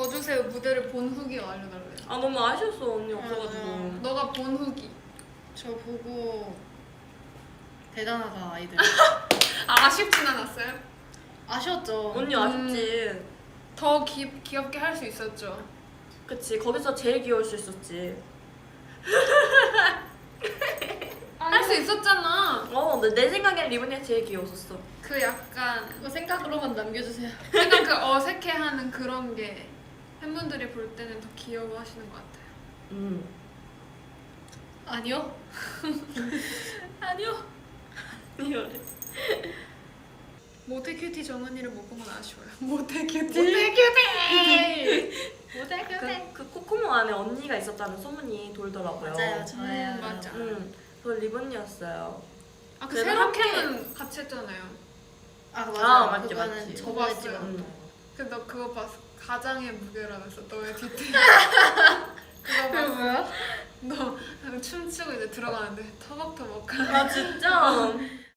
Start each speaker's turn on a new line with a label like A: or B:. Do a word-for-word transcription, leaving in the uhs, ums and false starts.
A: 저주세요 무대를 본 후기 알려달래.
B: 아 너무 아쉬웠어 언니 없어가지고.
A: 음, 너가 본 후기.
C: 저 보고 대단하다 아이들.
A: 아, 아쉽진 않았어요?
C: 아쉬웠죠.
B: 언니 아쉽지.
A: 더 기, 귀엽게 할 수 있었죠.
B: 그치 거기서 제일 귀여울 수 있었지.
A: 할 수 있었잖아.
B: 어, 내, 내 생각엔 리본이가 제일 귀여웠었어.
A: 그 약간
C: 그거 생각으로만 남겨주세요.
A: 약간 그 어색해하는 그런 게 팬분들이 볼 때는 더 귀여워하시는 것 같아요.
B: 음.
C: 아니요. 아니요.
B: 이거래.
A: 모태 큐티 정은이를 못 본 건 아쉬워요. 모태 큐티.
C: 모태
A: 큐티.
C: 모델
B: 그, 그 코코몽 안에 언니가 있었다는 소문이 돌더라고요.
C: 맞아요, 저예요.
A: 음, 맞아.
B: 음, 그 리본이었어요.
A: 아, 그
B: 그래도
A: 세로캠은 같이 했잖아요.
C: 아 맞아요.
B: 아, 맞지,
C: 그거는
B: 맞지.
C: 저번에
A: 봤어요.
C: 찍었던
B: 음.
C: 거.
A: 그 너 그거 봤어? 가장의 무게라면서 너의 뒤태. 그거
C: 그게
A: 봤어?
C: 뭐야?
A: 너 춤추고 이제 들어가는데 터벅터벅.
B: 아 진짜?